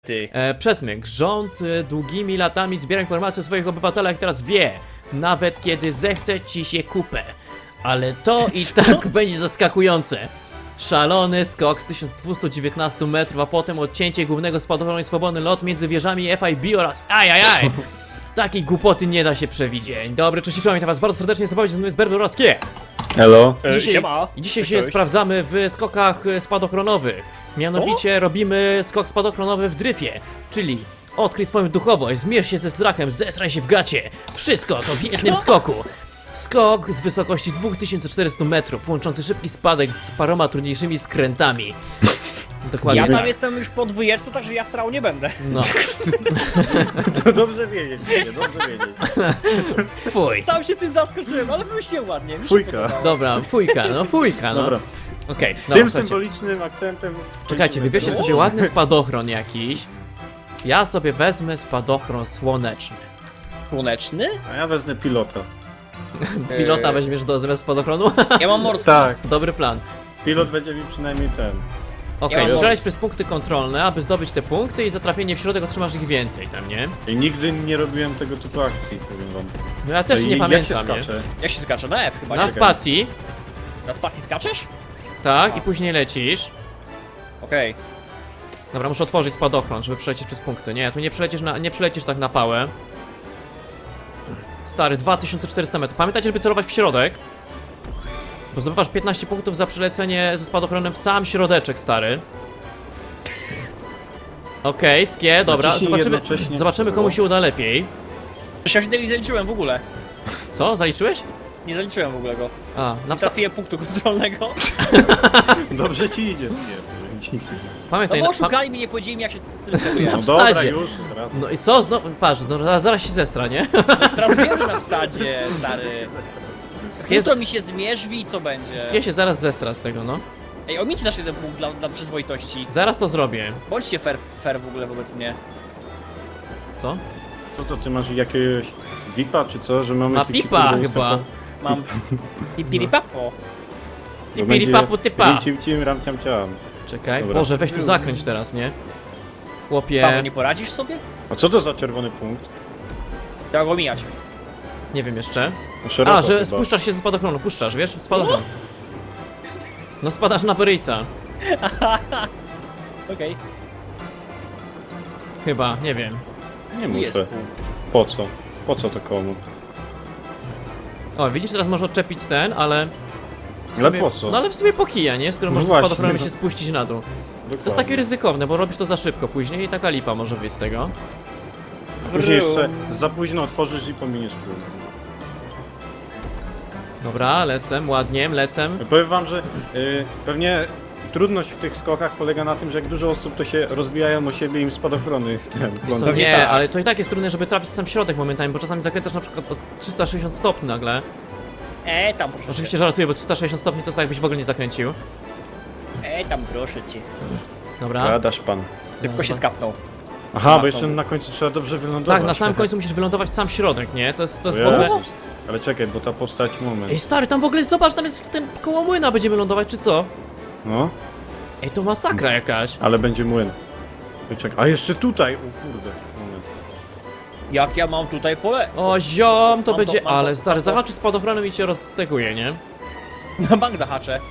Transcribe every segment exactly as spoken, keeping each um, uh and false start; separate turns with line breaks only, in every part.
ty.
E, przesmyk. Rząd e, długimi latami zbiera informacje o swoich obywatelach i teraz wie, nawet kiedy zechce ci się kupę. Ale to i tak będzie zaskakujące. Szalony skok z tysiąc dwieście dziewiętnaście metrów, a potem odcięcie głównego spadochronu i swobodny lot między wieżami F I B oraz ajajaj. Takiej głupoty nie da się przewidzieć. Dobry, cześć, witam was bardzo serdecznie, zapowiedź z Berberowskie.
Hello.
E,
Dzisiaj,
siema.
dzisiaj
Cześć,
się
cześć.
sprawdzamy w skokach e, spadochronowych. Mianowicie robimy skok spadochronowy w dryfie, czyli odkryj swoją duchowość, zmierz się ze strachem, zesraj się w gacie. Wszystko to w jednym
Co?
skoku. Skok z wysokości dwa tysiące czterysta metrów, łączący szybki spadek z paroma trudniejszymi skrętami. Dokładnie
Ja tam
tak.
jestem już po dwójeczce, także ja strał nie będę.
No,
To dobrze wiedzieć, nie, dobrze wiedzieć.
fuj.
Sam się tym zaskoczyłem, ale wymyśliłem ładnie. Mi się
Fujka.
podobało.
Dobra, fujka, no fujka, no.
Dobra.
Okej,
Tym
dobra, słuchajcie.
symbolicznym akcentem.
Czekajcie, wybierzcie
kończymy.
sobie ładny spadochron jakiś. Ja sobie wezmę spadochron słoneczny.
Słoneczny?
A ja wezmę pilota.
Pilota
Eee.
weźmiesz do zamiast spadochronu?
Ja mam morski.
Tak,
Dobry plan.
pilot będzie mi przynajmniej ten.
Okej,
Ja mam
przeleć przez punkty kontrolne, aby zdobyć te punkty i za trafienie w środek otrzymasz ich więcej tam, nie?
I nigdy nie robiłem tego typu akcji, powiem wam.
No ja też
I
nie
jak
pamiętam,
się
nie?
skacze?
Jak się skacze? Na F chyba,
Na
nie?
spacji,
Na spacji skaczesz?
tak,
A.
i później lecisz.
Okej.
Dobra, muszę otworzyć spadochron, żeby przelecieć przez punkty. Nie, tu nie przelecisz, na, nie przelecisz tak na pałę. Stary, dwa tysiące czterysta metrów. Pamiętajcie, żeby celować w środek. Bo zdobywasz piętnaście punktów za przelecenie ze spadochronem w sam środeczek, stary. Okej, skie, dobra,
Naciśnij
zobaczymy,
jednocześnie
zobaczymy komu się uda lepiej.
Ja się tego nie zaliczyłem w ogóle.
Co, zaliczyłeś?
Nie zaliczyłem w ogóle go.
A, na
Nie
psa...
trafiłem punktu kontrolnego.
Dobrze ci idzie, Skier.
No
Pamiętaj,
bo
na, pa...
oszukali mnie, nie powiedzieli mi jak się tym celuje.
No
w
dobra,
wsadzie.
już, teraz.
No i co, znowu, patrz, no, zaraz, zaraz się zestra, nie?
Teraz wiem, że na wsadzie, stary.
Skie,
Jutro mi się zmierzwi i co będzie?
skie się zaraz zestra z tego, no.
Ej, omińcie nasz jeden punkt dla, dla przyzwoitości.
Zaraz to zrobię.
Bądźcie fair, fair w ogóle wobec mnie.
Co?
Co to, ty masz jakiegoś V I P-a czy co, że mamy
Ma
tu ci,
pipa
kurde,
chyba.
występo-
Mam... Pipiripapo.
To
Pipiri
będzie
papu typa.
Cim, cim, ram, ciam, ciam.
Czekaj,
Dobra.
Boże, weź tu zakręć teraz, nie?
Paweł,
Chłopie,
nie poradzisz sobie?
A co to za czerwony punkt?
Trzeba go omijać.
nie wiem jeszcze.
No, szeroko
A, że
chyba.
spuszczasz się ze spadochronu, puszczasz, wiesz? Spadochron. No spadasz na peryjca.
Okej.
Chyba, nie wiem.
Nie
Tu jest
muszę.
punkt.
Po co? Po co to komu?
O, widzisz, teraz możesz odczepić ten, ale... w
Ale
sumie-
po co?
No ale w sumie po kija, nie? Skoro
No
możesz
właśnie,
spadochronem
no.
się spuścić na dół. To jest
Dokładnie.
takie ryzykowne, bo robisz to za szybko później i taka lipa może wyjść z tego.
Później jeszcze za późno otworzysz i pominiesz król.
Dobra, lecę, ładnie, lecę.
Powiem wam, że y, pewnie trudność w tych skokach polega na tym, że jak dużo osób to się rozbijają o siebie i im spadochrony ten
Co,
plączą.
nie,
tak.
ale to i tak jest trudne, żeby trafić w sam środek momentami, bo czasami zakrętasz na przykład o trzysta sześćdziesiąt stopni nagle.
E, tam proszę
Oczywiście
cię.
żartuję, bo trzysta sześćdziesiąt stopni to tak jakbyś w ogóle nie zakręcił.
E, tam proszę cię.
Dobra.
Gadasz pan.
Szybko się skapnął.
Aha, bo jeszcze na końcu trzeba dobrze wylądować.
Tak, na samym końcu musisz wylądować w sam środek, nie? To jest, to
O
jest w ogóle...
Jezus. Ale czekaj, bo ta postać moment.
Ej stary, tam w ogóle zobacz, tam jest ten koło młyna, będziemy lądować, czy co?
No,
Ej, to masakra jakaś.
ale będzie młyn. Ej, czekaj. A jeszcze tutaj! O kurde, moment.
Jak ja mam tutaj pole?
O ziom, to
Mam to,
będzie...
mam to,
Ale
mam
stary,
to.
zahaczy spadochronem i cię rozteguje, nie?
Na bank zahaczę.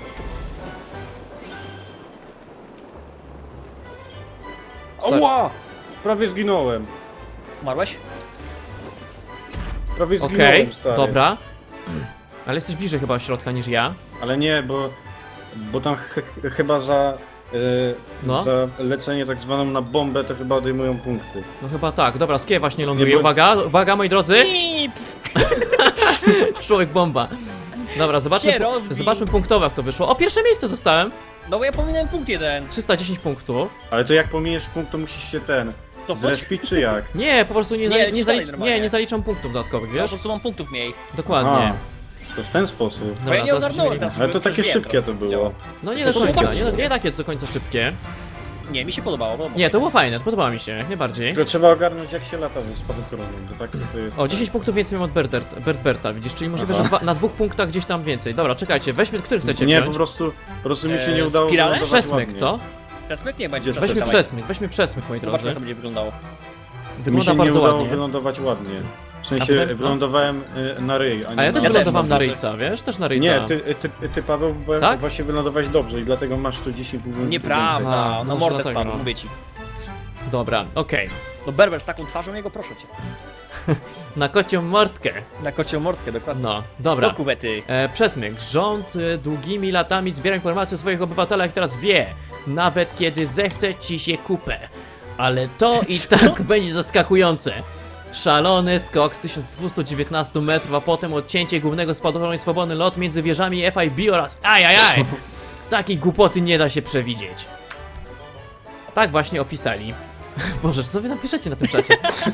Stary.
Ała! Prawie zginąłem.
Umarłeś?
Prawie zginąłem,
Okej,
stary.
dobra. Ale jesteś bliżej chyba środka niż ja.
Ale nie, bo, bo tam ch chyba za, yy,
No.
za lecenie tak zwaną na bombę to chyba odejmują punkty.
No chyba tak, dobra, skie właśnie ląduje.
Nie, bo-
Uwaga, uwaga moi drodzy!
Pip!
Człowiek bomba. Dobra, zobaczmy,
Się rozbił.
zobaczmy punktowo jak to wyszło. O, pierwsze miejsce dostałem!
No bo ja pominąłem punkt jeden.
trzysta dziesięć punktów.
Ale to jak pominiesz punkt, to musisz się ten
To chodź.
zrespić czy jak?
Nie, po prostu nie,
Nie,
zali
ci
nie,
dalej
zalicz
normalnie.
nie, nie zaliczam punktów dodatkowych,
Ja po
wiesz?
prostu mam punktów mniej.
Dokładnie.
Aha, to w ten sposób.
Bo ja
Dobra,
nie
zaraz
ogarnąłem
będziemy-
teraz.
Ale to
Przecież
takie
wiem
szybkie
teraz,
to
jak
było.
działa.
No nie do
To
końca,
zobaczcie.
nie, nie takie do końca szybkie.
Nie, mi się podobało. podobało.
Nie, to było fajne, podobało mi się, jak najbardziej.
Tylko trzeba ogarnąć jak się lata ze spadochronem, bo tak to jest...
O, dziesięć punktów więcej mam od Bert, Bert Berta, widzisz, czyli możliwe, że
Aha.
dwa, na dwóch punktach gdzieś tam więcej. Dobra, czekajcie, weźmy, który chcecie
Nie,
wziąć?
po prostu, po prostu mi się
Eee,
nie udało
spirale?
wylądować
Przesmyk,
ładnie.
co?
Przesmyk nie będzie.
Weźmy
Weźmy
Dawaj.
przesmyk, weźmy przesmyk, moi
Zobaczmy, jak
drodzy.
to będzie wyglądało.
Mi
Wygląda
się nie
bardzo
udało
ładnie.
wylądować ładnie. W
A
sensie
potem- no.
wylądowałem y, na ryj, a nie
A ja też
na...
Ja
wylądowałem
też
na
mam
ryjca, wiesz? Też na ryjca.
Nie, ty, ty, ty Paweł, bo
Tak?
właśnie wylądować dobrze i dlatego masz tu dziesięć punktów.
Nieprawda,
A,
na
może
mordę
dlatego,
spadł,
no.
mówię ci.
Dobra, okej.
No Berber z taką twarzą jego, proszę cię.
Na kocią mordkę.
Na kocią mordkę, dokładnie.
No, dobra.
Do kuwety.
E, przesmyk. Rząd e, długimi latami zbiera informacje o swoich obywatelach, teraz wie, nawet kiedy zechce ci się kupę. Ale to i tak będzie zaskakujące. Szalony skok z tysiąc dwieście dziewiętnaście metrów, a potem odcięcie głównego spadochronu i swobodny lot między wieżami F I B oraz ajajaj. Takiej głupoty nie da się przewidzieć. Tak właśnie opisali. Boże, co wy napiszecie na tym czacie?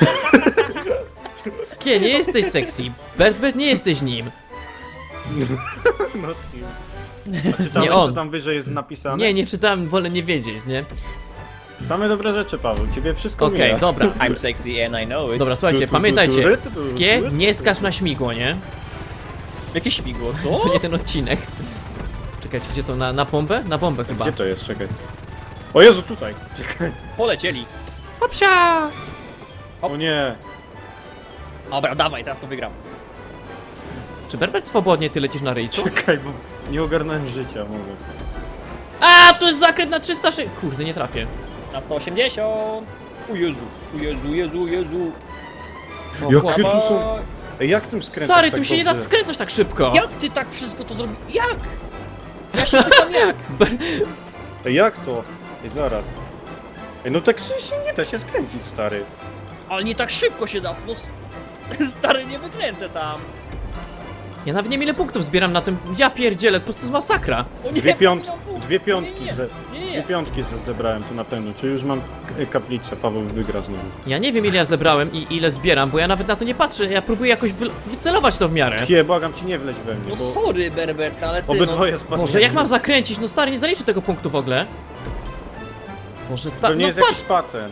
Skie, nie jesteś sexy. Bert, Bert, nie jesteś nim.
No, a czytałeś,
Nie on.
co tam wyżej jest napisane?
Nie, nie czytałem, wolę nie wiedzieć, nie?
Damy dobre rzeczy, Paweł, ciebie wszystko
Okej,
mija.
dobra.
I'm sexy and I know it.
Dobra, słuchajcie,
Tu, tu, tu,
pamiętajcie,
tu, tu, tu,
Skie,
tu, tu,
nie
tu.
skacz na śmigło, nie?
Jakie śmigło,
To
co?
nie ten odcinek. Czekajcie, gdzie to? Na, na bombę? Na bombę chyba.
Gdzie to jest? Czekaj. O Jezu, tutaj! Czekaj.
Polecieli.
Hopsia!
O nie!
Dobra, dawaj, teraz to wygram.
Czy Berbert swobodnie ty lecisz na ryjcu?
Czekaj, bo nie ogarnąłem życia, mówię.
A, tu jest zakręt na trzysta sześćdziesiąt. Kurde, nie trafię.
Na sto osiemdziesiąt. U Jezu, u Jezu, Jezu, Jezu.
O,
Jakie
chłop-
tu są... Ej, jak tym skręcasz
Stary,
tak
tu się nie da
dobrze?
skręcać tak szybko.
Jak ty tak wszystko to zrobiłeś? Jak? Ja się pytam jak?
Ej, jak to? Ej, zaraz. Ej, no tak się nie da się skręcić, stary.
Ale nie tak szybko się da. No, s- stary, nie wykręcę tam.
Ja nawet nie wiem ile punktów zbieram na tym. Ja pierdzielę, po prostu jest masakra.
O nie,
Dwie, piąt...
nie mam punktów.
Dwie piątki
Nie, nie,
ze...
nie, nie,
Dwie
nie.
piątki ze zebrałem tu na pewno. Czy już mam k- kaplicę? Paweł wygra znowu.
Ja nie wiem ile ja zebrałem i ile zbieram, bo ja nawet na to nie patrzę. Ja próbuję jakoś wy wycelować to w miarę.
Kie, błagam ci, nie wleć we mnie,
No
bo
sorry, Berbert, ale ty
obydwoje spadły.
Boże, jak mam zakręcić? No stary, nie zaliczę tego punktu w ogóle. Boże,
To
stary,
nie
no
jest
patrz!
jakiś patent.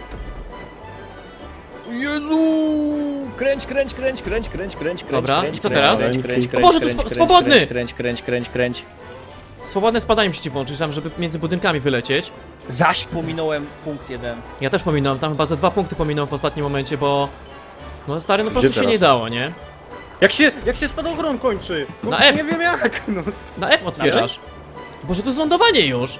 no... Jezu! Kręć, kręć, kręć, kręć, kręć, kręć, kręć.
Dobra,
kręć,
i co
kręć,
teraz?
Kręć, kręć,
O
kręć,
Boże, to
kręć,
spo-
kręć,
swobodny!
Kręć, kręć, kręć, kręć, kręć.
Swobodne spadanie musi włączyć tam, żeby między budynkami wylecieć.
Zaś pominąłem punkt jeden.
Ja też pominąłem, tam chyba ze dwa punkty pominąłem w ostatnim momencie, bo... No stary, no po
Gdzie
prostu się
teraz?
nie dało, nie?
Jak się, jak się spadochron kończy? No,
Na F.
Nie wiem jak, no.
Na F otwierasz. Boże, to jest lądowanie już!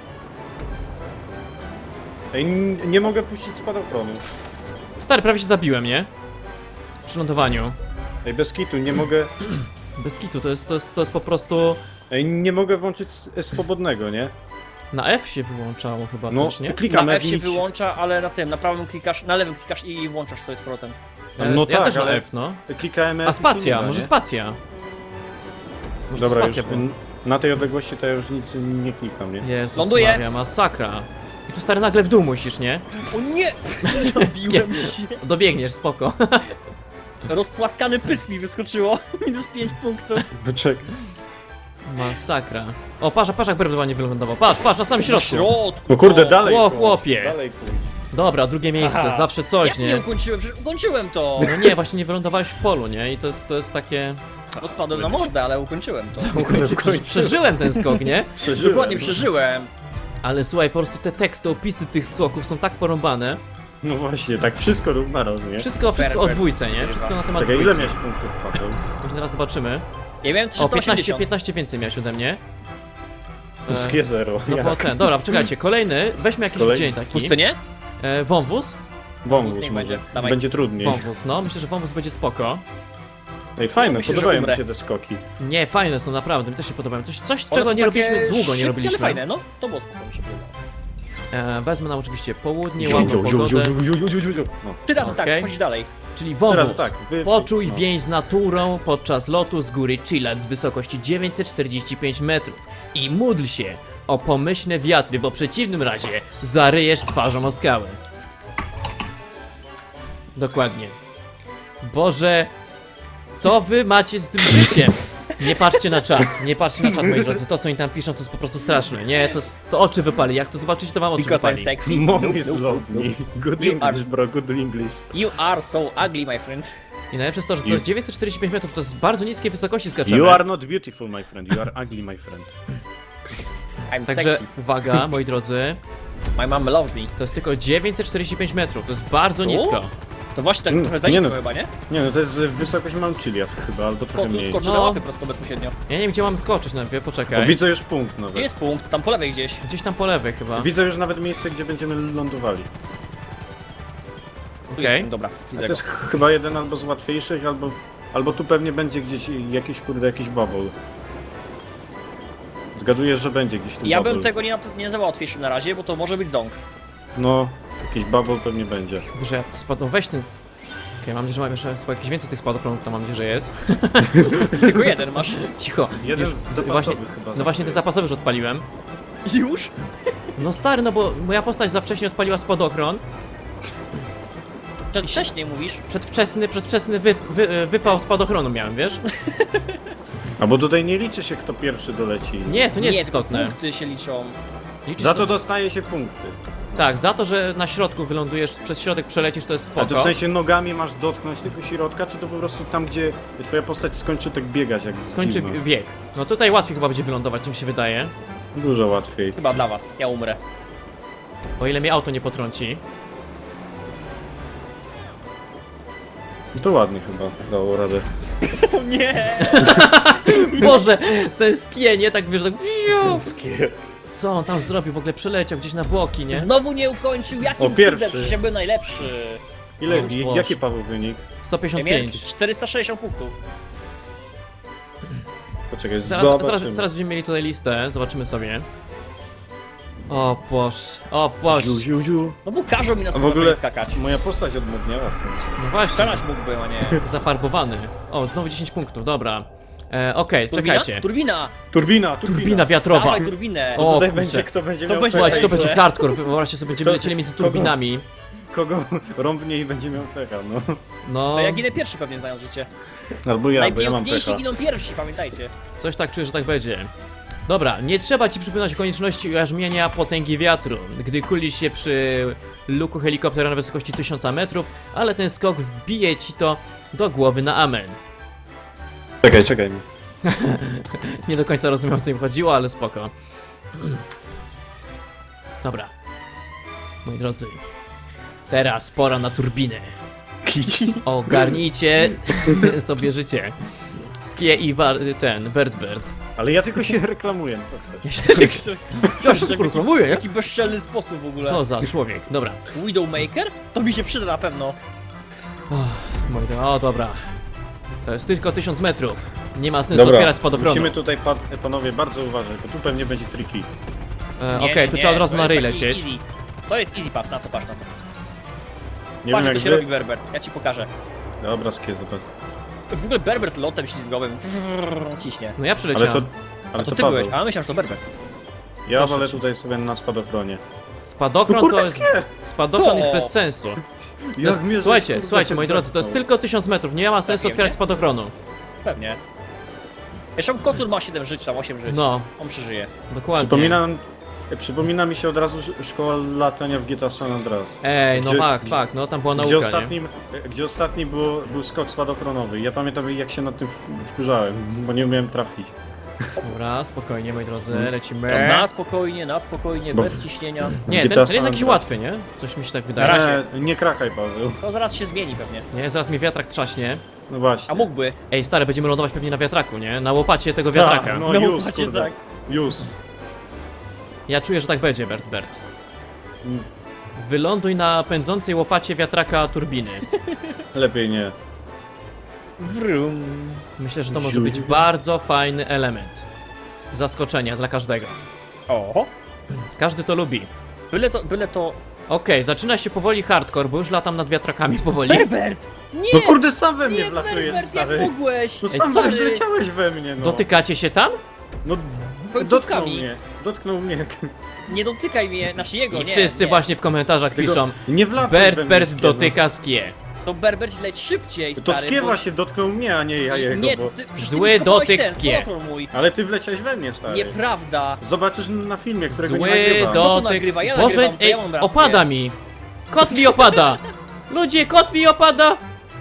Ej, n- nie mogę puścić spadochronu.
Stary, prawie się zabiłem, nie? Przy lądowaniu.
Ej, bez kitu, nie mogę...
Bez kitu, to jest, to jest, to jest po prostu...
Ej, nie mogę włączyć s- swobodnego, nie?
Na F się wyłączało chyba
No,
też, nie?
klikam
Na F
F
się
nic.
wyłącza, ale na tym, na prawym klikasz, na lewym klikasz i włączasz sobie z powrotem.
E,
No
ja
tak,
też na
ale-
F, no.
Klikałem F
A
i się nie
spacja,
da,
może
nie?
spacja. Może
Dobra,
to
już
spacja była.
n- na tej odległości to ja już nic nie klikam, nie?
Jezus
Ląduje.
Maria, masakra. I tu stary nagle w dół musisz, nie?
O nie! Zabiłem się.
Dobiegniesz, spoko.
Rozpłaskany pysk mi wyskoczyło. Minus pięć punktów.
Poczekaj.
Masakra. O, patrz, patrz jak Berbert ładnie wylądował. Patrz, patrz, na samym środku.
środku.
No kurde, dalej
Ło,
pójdź,
chłopie.
Dalej pójdź.
Dobra, drugie miejsce,
Aha.
zawsze coś,
Jak nie
nie?
ukończyłem? Przecież ukończyłem to.
No nie, właśnie nie wylądowałeś w polu, nie? I to jest, to jest takie...
No spadłem na mordę, ale ukończyłem to.
Ukończy, prze, przeżyłem ten skok, nie?
Przeżyłem.
Dokładnie przeżyłem.
Ale słuchaj, po prostu te teksty, opisy tych skoków są tak porąbane.
No właśnie, tak wszystko naraz, nie?
Wszystko, wszystko o
Berber.
dwójce, nie? Wszystko na temat
Czekaj, ile
dwójki.
miałeś punktów, Paweł?
Już zaraz zobaczymy.
Ja miałem
O,
trzysta
piętnaście,
osiemdziesiąt.
piętnaście więcej miałeś ode mnie. E,
Skie zero.
No
Jak?
po ten, dobra, czekajcie, kolejny, weźmy jakiś
Kolejny?
dzień taki.
Pustynię?
E, wąwóz?
Wąwóz
niech
może.
będzie. Dawaj.
Będzie trudniej.
Wąwóz, no, myślę, że wąwóz będzie spoko.
Ej, fajne,
Myślę, że
podobają mi
umrę.
się te skoki.
Nie, fajne są naprawdę, mi też się podobają. Coś, coś
One
czego
są
nie
takie
robiliśmy, długo nie
szybkie,
robiliśmy.
Ale fajne, no. To było spoko, mi się podobało.
E, wezmę nam oczywiście południe,
Ziu,
ładną
ziu, ziu,
pogodę,
ziu, ziu, ziu, ziu, ziu, ziu. No.
Ty razy
Okej.
tak, chodź dalej.
czyli wąwóz.
Teraz tak, wy-
Poczuj
no.
więź z naturą podczas lotu z góry Chilad z wysokości dziewięćset czterdzieści pięć metrów i módl się o pomyślne wiatry, bo w przeciwnym razie zaryjesz twarzą o skałę. Dokładnie. Boże, co wy macie z tym życiem? Nie patrzcie na czat, nie patrzcie na czat, moi drodzy. To, co oni tam piszą, to jest po prostu straszne. Nie, to, jest- to oczy wypali. Jak to zobaczycie, to wam oczy
Because I'm
wypali.
sexy.
Mom
Nope,
is
nope,
love
nope.
me. Good
You
English,
are-
bro, good English.
You are so ugly, my friend.
I najlepsze jest to, że to
You-
jest dziewięćset czterdzieści pięć metrów, to jest bardzo niskiej wysokości skaczemy.
You are not beautiful, my friend. You are ugly, my friend.
I'm
Także
sexy.
uwaga, moi drodzy.
My mom loves me.
To jest tylko dziewięćset czterdzieści pięć metrów, to jest bardzo
O?
nisko.
To właśnie tak
Mm,
trochę za
nie
nisko
no.
chyba, nie?
Nie no, to jest wysokość Mount Chiliad chyba, albo trochę
Skoczy,
mniej.
skoczy
No.
na łapy prosto bezpośrednio.
Ja nie wiem, gdzie mam skoczyć najpierw,
O,
poczekaj.
widzę już punkt
Gdzie
nawet.
jest punkt? Tam po lewej gdzieś.
Gdzieś tam po lewej chyba.
Widzę już nawet miejsce, gdzie będziemy lądowali.
Tu
Okej.
jest punkt, dobra,
A
widzę
to
go.
jest ch- chyba jeden albo z łatwiejszych, albo... Albo tu pewnie będzie gdzieś jakiś, kurde, jakiś bubble. Zgaduję, że będzie gdzieś tu
Ja
bubble.
bym tego nie, nie nazywał łatwiejszym na razie, bo to może być ząg.
No, jakiś bubble pewnie będzie.
Boże, ja to spadł, weź ten... Okej, mam nadzieję, że mam jeszcze jakieś więcej tych spadochronów, to mam nadzieję, że jest.
Tylko jeden masz.
Cicho.
Jeden
Już
z zapasowych
właśnie,
chyba.
no właśnie te zapasowe już odpaliłem.
Już?
No stary, no bo moja postać za wcześnie odpaliła spadochron.
Wcześniej mówisz.
Przedwczesny, przedwczesny wy, wy, wypał spadochronu miałem, wiesz?
A bo tutaj nie liczy się, kto pierwszy doleci.
Nie, to nie jest
tylko
istotne.
punkty się liczą.
Liczy
Za
się
to dostaje się punkty.
Tak, za to, że na środku wylądujesz, przez środek przelecisz, to jest
A to
spoko.
w sensie nogami masz dotknąć tego środka, czy to po prostu tam, gdzie twoja postać skończy tak biegać, jak
Skończy
dziwna?
bieg. No tutaj łatwiej chyba będzie wylądować, czym się wydaje.
Dużo łatwiej.
Chyba dla was. Ja umrę.
O ile mnie auto nie potrąci.
To ładnie chyba dało radę.
O nie!
Boże, ten skienie tak wiesz, tak...
Cęskie.
Co on tam zrobił? W ogóle przeleciał gdzieś na boki, nie?
Znowu nie ukończył. Jakim
O, pierwszy.
cudem? Przecież ja byłem najlepszy.
Ile,
Boż,
i-
Boż.
jaki Paweł wynik?
sto
Ja
pięćdziesiąt
miałem
pięć.
czterysta sześćdziesiąt punktów.
Poczekaj,
Zaraz,
zobaczymy.
zaraz, zaraz będziemy mieli tutaj listę, zobaczymy sobie. O Boż, o Boż.
Ziu, ziu, ziu.
No bo każą mi na
A w ogóle
spotkanie skakać.
moja postać odmodniała w końcu.
No właśnie,
Strzelać mógłbym, a nie.
zafarbowany. O, znowu dziesięć punktów, dobra. E, Okej,
Turbina?
czekajcie.
Turbina!
Turbina, turbina.
Turbina wiatrowa.
Dawaj turbinę!
O,
Tutaj
kurczę.
będzie, kto będzie
To
miał
będzie-
Słuchajcie, to
pecha i
będzie hardcore, wyobraźcie sobie, będziemy
To-
lecieli między
kogo?
turbinami.
Kogo rąbnie i będzie miał pecha, no.
No,
To ja ginę pierwszy pewnie znając życie.
Albo ja, bo ja mam
Najpiękniejsi
pecha.
giną pierwsi, pamiętajcie.
coś tak czuję, że tak będzie. Dobra, nie trzeba ci przypominać o konieczności ujarzmienia potęgi wiatru, gdy kulisz się przy luku helikoptera na wysokości tysiąc metrów, ale ten skok wbije ci to do głowy na amen.
Czekaj, czekaj.
Nie do końca rozumiem, o co im chodziło, ale spoko. Dobra. Moi drodzy, teraz pora na turbinę. Ogarnijcie sobie życie. Skie i bar ten, Bird Bird.
Ale ja tylko się reklamuję, co chcesz.
Ja się tylko... Ja się tylko reklamuję, jak...
Jaki bezczelny sposób w ogóle.
Co za człowiek, dobra.
Widowmaker? To mi się przyda na pewno.
Oh, moi drodzy, o dobra. To jest tylko tysiąc metrów. Nie ma sensu otwierać spadochronu.
musimy tutaj, pa panowie, bardzo uważać, bo tu pewnie będzie triki.
E,
Nie,
Okej,
nie,
tu
nie,
trzeba od razu
to
na
jest
ryj
taki
lecieć.
Easy. To jest easy path, na to patrz na to.
Nie
Patrz
wiem
jak to
jak
się
wy...
robi Berber, ja ci pokażę.
Dobra, skie, zobacz.
W ogóle Berbert lotem ślizgowym ciśnie.
No ja
Ale
przyleciałem.
to...
A
Ale
to,
to,
ty
Paweł.
byłeś, a myślałem, że to Berbert.
Ja
Proszę
wolę
cię.
tutaj sobie na spadochronie.
Spadochron
Kurde,
to jest...
skie!
Spadochron
O!
jest bez sensu. To jest,
mnie
słuchajcie,
żeś,
słuchajcie,
kurde,
moi drodzy, to jest
zepchnął.
tylko tysiąc metrów, nie ma sensu
Trafiłem
otwierać
cię?
spadochronu.
Pewnie. Jeszcze Kotur ma siedem żyć, tam osiem żyć.
No,
On przeżyje.
dokładnie.
Przypomina, przypomina mi się od razu sz- szkoła latania w G T A San Andreas.
Ej, no
Gdzie-
fakt, fakt, no tam była
Gdzie
nauka, nie?
ostatnim, gdzie ostatni było, był skok spadochronowy. Ja pamiętam jak się nad tym w- wkurzałem, bo nie umiałem trafić.
Dobra, spokojnie, moi drodzy,
Mm.
lecimy.
Na spokojnie, na spokojnie,
Bo-
bez ciśnienia.
Nie,
G
ten,
T A
ten jest
San
jakiś
Andreas.
łatwy, nie? Coś mi się tak
Na
wydaje.
razie.
Nie, nie krakaj, Paweł.
To zaraz się zmieni pewnie.
Nie, zaraz mi wiatrak trzaśnie.
No właśnie.
A mógłby.
Ej, stary, będziemy lądować pewnie na wiatraku, nie? Na łopacie tego wiatraka.
Tak, no
No,
już,
macie
kurde.
tak.
Już.
Ja czuję, że tak będzie, Bert Bert.
Mm,
Wyląduj na pędzącej łopacie wiatraka turbiny.
Lepiej nie.
Wrum.
Myślę, że to może być bardzo fajny element. Zaskoczenia dla każdego.
Oho.
Każdy to lubi.
Byle to, byle to...
Okej, zaczyna się powoli hardcore, bo już latam nad wiatrakami powoli.
Berbert! Nie!
No kurde, sam we mnie
Nie,
wlatujesz,
Berbert, jak
stary.
mogłeś?
No
Ej,
sam
sorry.
wleciałeś we mnie, no.
Dotykacie się tam?
No,
Końcówkami.
dotknął mnie. Dotknął mnie.
Nie dotykaj mnie, znaczy jego,
I
nie.
wszyscy
nie.
właśnie w komentarzach
Tylko
piszą
nie wlatuj
Bert
we mnie,
Bert
skie,
dotyka skie.
To Berbert leć szybciej,
No. To
stary.
skie
bo-
właśnie dotknął mnie, a nie ja jego,
Nie,
bo...
ty, przecież
Zły
ty skopałeś
dotyk
ten,
skie.
spadochron mój.
Ale ty wleciałeś we mnie, stary.
Nieprawda.
Zobaczysz na filmie, którego nie
Zły
nagrywam.
to
dotyk
nagrywa? Ja
skie. Boże,
nagrywam, to
ej,
ja mam rację.
opada mi! Kot mi opada! Ludzie, kot mi opada!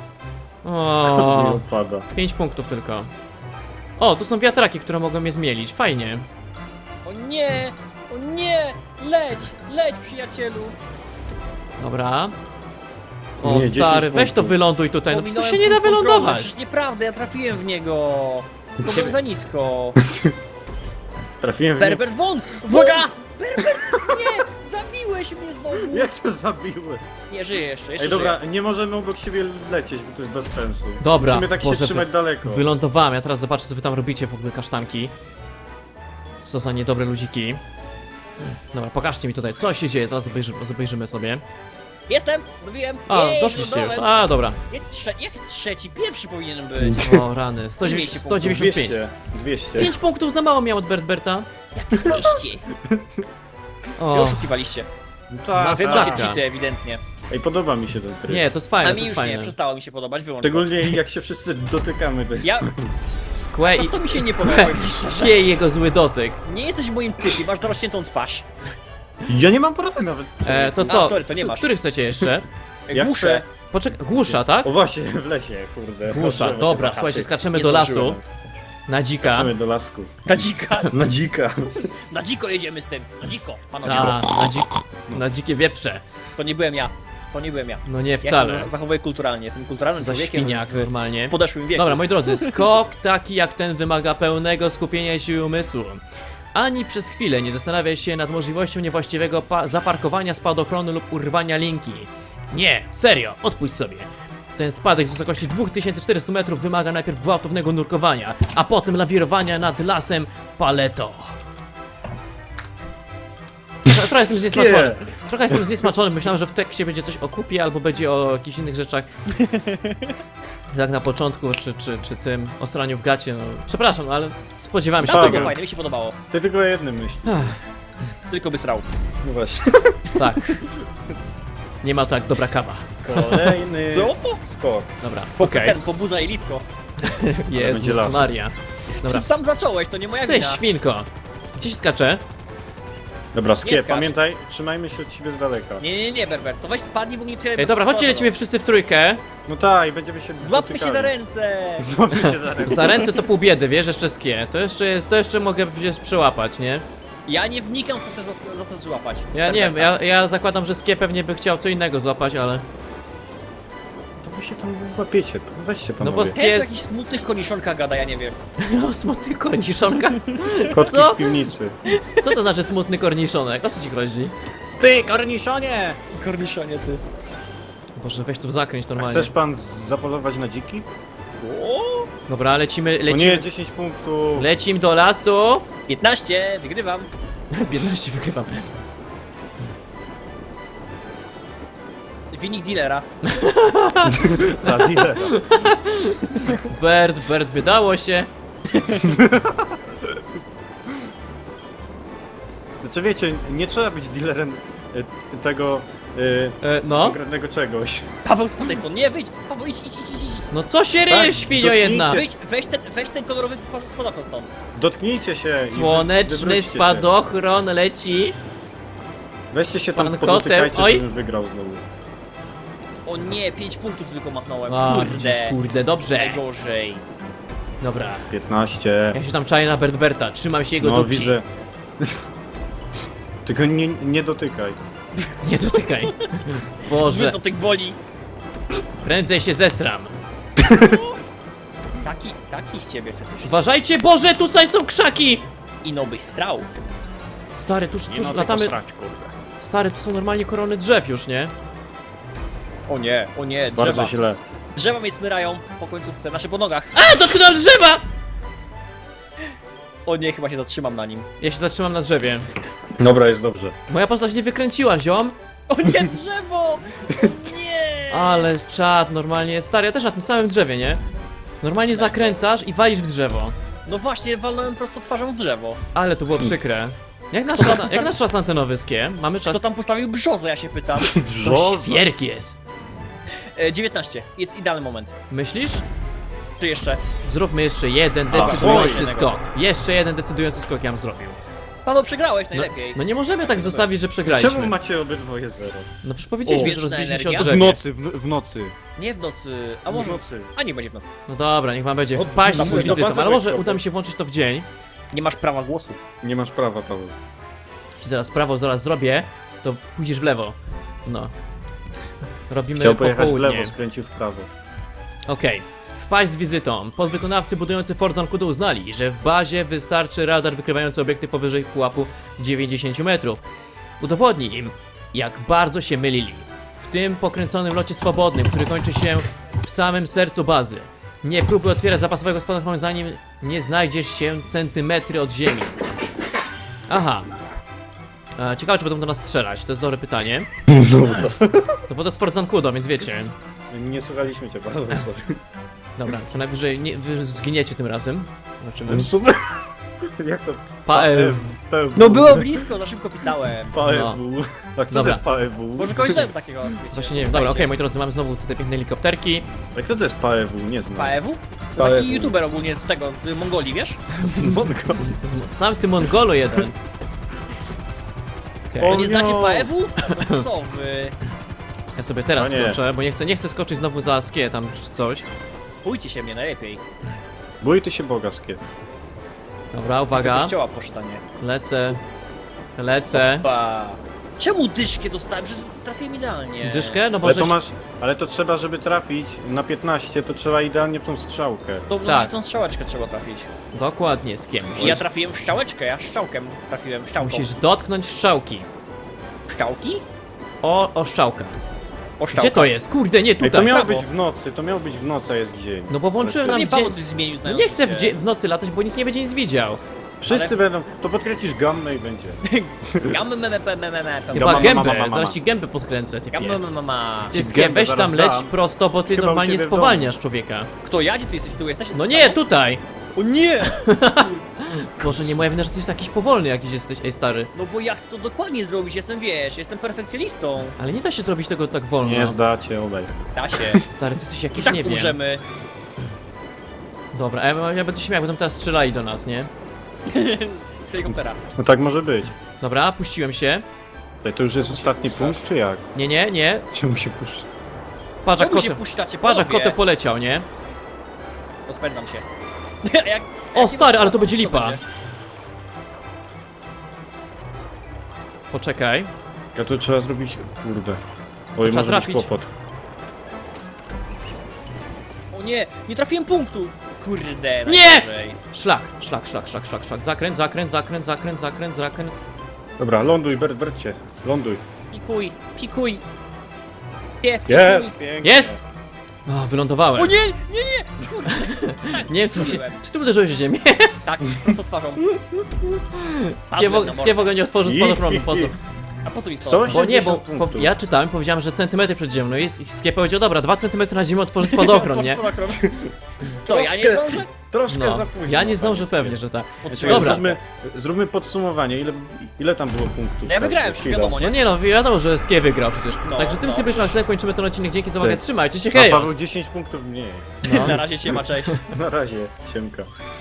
To mi
O,
opada.
pięć punktów tylko. O, tu są wiatraki, które mogą mnie zmielić, fajnie.
O nie! O nie! nie! Leć! Leć, przyjacielu!
Dobra. O,
Nie, dziesięć
stary, weź to
punktów.
wyląduj tutaj, no przecież tu
Pominąłem
się nie da
punkt kontrolny,
wylądować.
przecież nieprawda, ja trafiłem w niego. To
Ciebie-
byłem za nisko.
Trafiłem w nie...
Berbert won!
Uwaga!
Berbert, nie! Zabiłeś mnie znowu!
Jak to zabiły?
Nie, żyję jeszcze, jeszcze
Ej, dobra,
żyję.
nie możemy obok siebie lecieć, bo to jest bez sensu.
Dobra,
Musimy tak
Boże,
się trzymać
wy-
daleko.
Wylądowałem, ja teraz zobaczę, co wy tam robicie w ogóle, kasztanki. Co za niedobre ludziki. Dobra, pokażcie mi tutaj, co się dzieje, zaraz obejrzymy, obejrzymy sobie.
Jestem! Dobiłem!
A,
Jej,
doszliście już,
lądowałem.
a, dobra.
Jak, trze jak trzeci? Pierwszy powinien być.
O, rany, sto dziewięćdziesiąt, sto
dwieście
dziewięćdziesiąt pięć.
dwieście. dwieście.
pięć punktów za mało miał od Bertberta.
dwieście. Wy
O,
oszukiwaliście.
No tak,
Wy
Masakra.
macie cheaty ewidentnie.
Ej, podoba mi się ten tryb.
nie, to jest
A
fajne,
mi
to jest
już nie,
fajne.
przestało mi się podobać, wyłącz go.
Szczególnie jak się wszyscy dotykamy. To jest...
Ja...
Sque i...
No to mi się nie
Sque-
podoba, jakiś-
Sque i jego zły dotyk.
Nie jesteś w moim typie, masz zarośniętą twarz.
Ja nie mam porady nawet.
E, to
A,
co?
sorry, to nie masz.
Który chcecie jeszcze?
Ja
Muszę.
Poczekaj, głusza, tak?
O właśnie, w lesie, kurde.
Głusza,
Dobrze,
dobra,
zahaczyk.
słuchajcie, skaczemy
Nie
do lasu,
zdążyłem.
na dzika.
Skaczemy do lasku.
Na dzika.
Na dzika.
Na dziko jedziemy z tym. Na dziko, panowie.
Ta, na, dzik, na dzikie wieprze.
To nie byłem ja. To nie byłem ja.
No nie,
Ja się
wcale.
za- zachowuję kulturalnie, jestem
Co
kulturalnym
za
człowiekiem
świniak
w,
normalnie.
w podeszłym wieku.
Dobra, moi drodzy, skok taki jak ten wymaga pełnego skupienia i siły umysłu. Ani przez chwilę nie zastanawia się nad możliwością niewłaściwego pa- zaparkowania spadochronu lub urwania linki. Nie, serio, odpuść sobie. Ten spadek z wysokości dwa tysiące czterysta metrów wymaga najpierw gwałtownego nurkowania, a potem lawirowania nad lasem paleto. Trochę jestem zniesmaczony. Trochę jestem zniesmaczony. Myślałem, że w tekście będzie coś o kupie albo będzie o jakichś innych rzeczach. Jak na początku, czy, czy, czy tym o straniu w gacie. No, przepraszam, ale spodziewałem się
Tam to
Tak.
było
tego.
fajne, mi się podobało.
Ty tylko o jednym myśli.
Ach,
Tylko by srał.
No właśnie.
tak. Nie ma tak dobra kawa.
Kolejny
No,
skok.
Dobra, okej.
ten pobuza elitko.
będzie
Jezus
las.
Maria. Dobra.
Ty sam zacząłeś, to nie moja
Ty
wina.
świnko. Gdzie się skacze?
Dobra,
Nie
skie,
skacz.
pamiętaj, trzymajmy się od siebie z daleka.
Nie, nie, nie, Berbert, to weź spadnij, bo mnie tyle...
Ej, dobra, chodźcie, lecimy wszyscy w trójkę.
No tak, i będziemy się
Złapmy się
dotykali.
za ręce!
Złapmy się za ręce.
Za ręce to pół biedy, wiesz, jeszcze skie. To jeszcze jest, to jeszcze mogę gdzieś przełapać, nie?
Ja nie wnikam, co chcesz za, za to złapać.
Ja nie wiem, ja, ja zakładam, że skie pewnie by chciał co innego złapać, ale...
To wy się tam łapiecie, weźcie
No
panowie.
bo
Ten
Jest-
jakiś smutnych koniszonka gada, ja nie wiem.
No, smutny korniszonka.
Kotki
Co?
w piwnicy.
Co to znaczy smutny korniszonek? O co ci chodzi?
Ty, korniszonie!
Korniszonie, ty.
Boże, weź tu zakręć
A
normalnie.
chcesz pan z- zapolować na dziki?
O,
Dobra, lecimy,
O
lecimy.
nie, dziesięć punktów.
Lecim do lasu.
piętnaście, wygrywam.
piętnaście wygrywam.
Winik dealera.
Ta, dealer.
Bert, Bert, wydało się.
Znaczy wiecie, nie trzeba być dealerem e, tego e,
E, no.
konkretnego czegoś.
Paweł, spadaj stąd, nie, wyjdź! Paweł, idź, idź, idź, idź, idź.
No co się
Tak,
ryje, świnio
dotknijcie.
jedna?
Wyjdź, weź ten, weź ten kolorowy po- spadochron stąd.
Dotknijcie się i wy-
Słoneczny
wywróćcie się.
spadochron leci.
Weźcie się tam
Pan
podotykajcie,
kotem, oj.
żebym wygrał znowu.
O nie, pięć punktów tylko machnąłem.
A,
Kurde.
widzisz, kurde, dobrze.
Najgorzej.
Dobra.
piętnaście.
Ja się tam czaję na Bert Berta, trzymam się jego
No
dupci.
widzę. Tylko nie, nie dotykaj.
Nie dotykaj.
Zły
Boże,
to tych boli.
prędzej się zesram.
Taki, taki z ciebie przecież.
Uważajcie, Boże, tutaj są krzaki!
Ino byś strał.
Stary, tuż,
Nie
tuż
no,
latamy...
tylko srać, kurde.
Stary, tu są normalnie korony drzew już, nie?
O nie, o nie,
Bardzo
drzewa.
źle.
Drzewa mnie smyrają po końcówce, znaczy po nogach.
A, dotknąłem drzewa!
O nie, chyba się zatrzymam na nim.
Ja się zatrzymam na drzewie.
Dobra, jest dobrze.
Moja postać nie wykręciła, ziom.
O nie, drzewo! Nie!
Ale czad, normalnie. Stary, ja też na tym samym drzewie, nie? Normalnie zakręcasz i walisz w drzewo.
No właśnie, walnąłem prosto twarzą w drzewo.
Ale to było przykre. Jak nasz,
To tam
czas, jak nasz czas antenowy, Skie? Mamy czas...
Kto tam postawił brzozę, ja się pytam.
To świerk jest.
E, dziewiętnaście, jest idealny moment.
Myślisz?
Czy jeszcze?
Zróbmy jeszcze jeden
Ahoj.
decydujący skok. Jeszcze jeden decydujący skok ja bym zrobił.
Paweł, przegrałeś
No,
najlepiej.
no nie możemy tak zostawić, że
Czemu
przegraliśmy.
macie obydwoje zero?
No przecież powiedzieliśmy,
O.
że rozbiliśmy się o
Wieczna
drzewie.
nocy, w, w nocy.
Nie w nocy, a może...
W nocy.
A nie będzie w nocy.
No dobra, niech wam będzie.
O,
Wpaść
na
z
mój
wizytą,
bazy
ale może
wejściowy.
uda mi się włączyć to w dzień.
Nie masz prawa głosu.
Nie masz prawa, Paweł.
ci zaraz prawo zaraz zrobię, to pójdziesz w lewo. No. Robimy
Chciał pojechać w
popołudnie.
lewo, skręcił w prawo.
Okej. Wpaść z wizytą. Podwykonawcy budujący Fort Zancudo uznali, że w bazie wystarczy radar wykrywający obiekty powyżej pułapu dziewięćdziesięciu metrów. Udowodnij im, jak bardzo się mylili. W tym pokręconym locie swobodnym, który kończy się w samym sercu bazy. Nie próbuj otwierać zapasowego spadochronu, zanim nie znajdziesz się centymetry od ziemi. Aha. E, ciekawe, czy będą do nas strzelać, to jest dobre pytanie. To bo to jest Fort Zancudo, więc wiecie.
Nie słuchaliśmy cię bardzo. sorry.
Dobra, to najwyżej nie, wy zginiecie tym razem. Zobaczymy.
Ten super. Jak to?
Paew.
Paew.
No było blisko, za szybko pisałem.
Paew. A kto
Dobra.
to jest Paew?
Może kogoś znałem takiego, wiecie.
Właśnie nie wiem. Dobra, okej, moi drodzy, mamy znowu te piękne helikopterki.
A kto to jest Paew? Nie znam.
Paewu? To
Paewu.
taki youtuber ogólnie z tego, z Mongolii, wiesz?
Mongo.
Z, sam ty Mongolu jeden. Okej,
O
Nie znacie
nie.
Paewu? No co wy?
ja sobie teraz
O nie.
skoczę, bo nie chcę, nie chcę skoczyć znowu za skie tam czy coś.
Bójcie się mnie najlepiej.
Bój ty się Boga, Skiet.
Dobra,
Do
uwaga.
kościoła poszedł, a nie.
Lecę. Lecę.
Ba. Czemu dyszkę dostałem? Przecież trafiłem idealnie.
Dyszkę? No bo
Ale
żeś...
to masz, ale to trzeba, żeby trafić na piętnaście, to trzeba idealnie w tą strzałkę.
To no,
Tak.
tak. tą strzałeczkę trzeba trafić.
Dokładnie, skiem.
I
Musisz,
ja trafiłem w strzałeczkę, ja szczałkiem trafiłem, szczałką.
musisz dotknąć strzałki.
Szczałki?
O, o szczałkę.
O szczałkę.
Gdzie to jest? Kurde, nie
Ej, to
tutaj.
miało
prawo.
być w nocy, to miało być w nocy, a jest dzień.
No bo włączyłem
Ale
nam
Nie
w
Paweł
dzień...
coś zmienił
No
znając
nie chcę w,
się.
dzie- w nocy latać, bo nikt nie będzie nic widział.
Wszyscy
ale-
będą, to podkręcisz gammę i będzie.
Gamy, me, me, me, me, me, me.
Chyba
mama,
gębę,
mama, mama.
zaraz ci gębę podkręcę, typie.
Gamy, me, me, me.
Ty
Ci
skie,
gębę
weź tam
zaraz
leć
dam.
prosto, bo ty
Chyba u
normalnie
ciebie w
spowalniasz człowieka.
Kto ja? Gdzie ty jesteś z tyłu? Jesteś?
No nie, tutaj!
O nie!
Boże, nie moja wina, że ty jesteś jakiś powolny jakiś jesteś, ej stary.
No bo ja chcę to dokładnie zrobić, jestem, wiesz, jestem perfekcjonistą.
Ale nie da się zrobić tego tak wolno.
Nie zdacie, obaj.
Da się.
Stary, ty jesteś
I
jakiś,
tak
nie wiem.
umrzemy.
Dobra, a ja, ja będę się śmiał, będą teraz strzelali do nas, nie?
Z helikoptera.
No tak może być.
Dobra, puściłem się.
Ej, to już jest ostatni punkt, czy jak?
Nie, nie, nie.
Czemu się puszcza?
Patrz jak
Czemu się
kotem,
puszczacie,
patrz jak
panowie?
kotem poleciał, nie?
Rozpędzam się. jak,
O,
jak
stary,
nie
ale to
rozpędzam,
będzie
co
lipa.
będzie?
Poczekaj.
Ja to trzeba zrobić, kurde. Oj,
trzeba
może
trafić.
być kłopot.
O nie, nie trafiłem punktu. Kurde,
Nie!
najgorzej.
Szlak, szlak, szlak, szlak, szlak, szlak. Zakręt, zakręt, zakręt, zakręt, zakręt, zakręt.
Dobra, ląduj, Bert, Bercie. Ląduj.
Pikuj, pikuj. Nie, pikuj.
Jest! Pięknie.
Jest! O, wylądowałem.
O nie, nie, nie! Kurde. Tak,
Nie wiem, co mi się...
zrobiłem.
Czy ty uderzyłeś w ziemię?
Tak, prosto twarzą.
Skiewo,
na mordę.
skiewo go nie otworzył spadochronu, po co?
A po co mi
Sto
spadło?
Bo nie, bo
osiemdziesiąt
po,
punktów.
ja czytałem, powiedziałem, że centymetry przed ziemią, no i Skie powiedział, dobra, dwa centymetry na ziemię otworzy spadochron, nie?
To ja nie
Troszkę-
zdążę?
Troszkę
No,
za późno.
ja nie zdążę
panie
pewnie,
Skiet.
że tak.
Czekaj,
Dobra.
Zróbmy, zróbmy podsumowanie. Ile, ile tam było punktów?
No ja wygrałem, przecież
Chwila.
wiadomo,
No
nie?
nie no, wiadomo, że Skie wygrał przecież.
No,
Także tym
no.
sobie szlakiem kończymy ten odcinek, dzięki za uwagę,
Tak.
trzymajcie się,
A
hej!
Paweł dziesięć punktów mniej.
No.
Na razie się ma, cześć.
Na razie, siemka.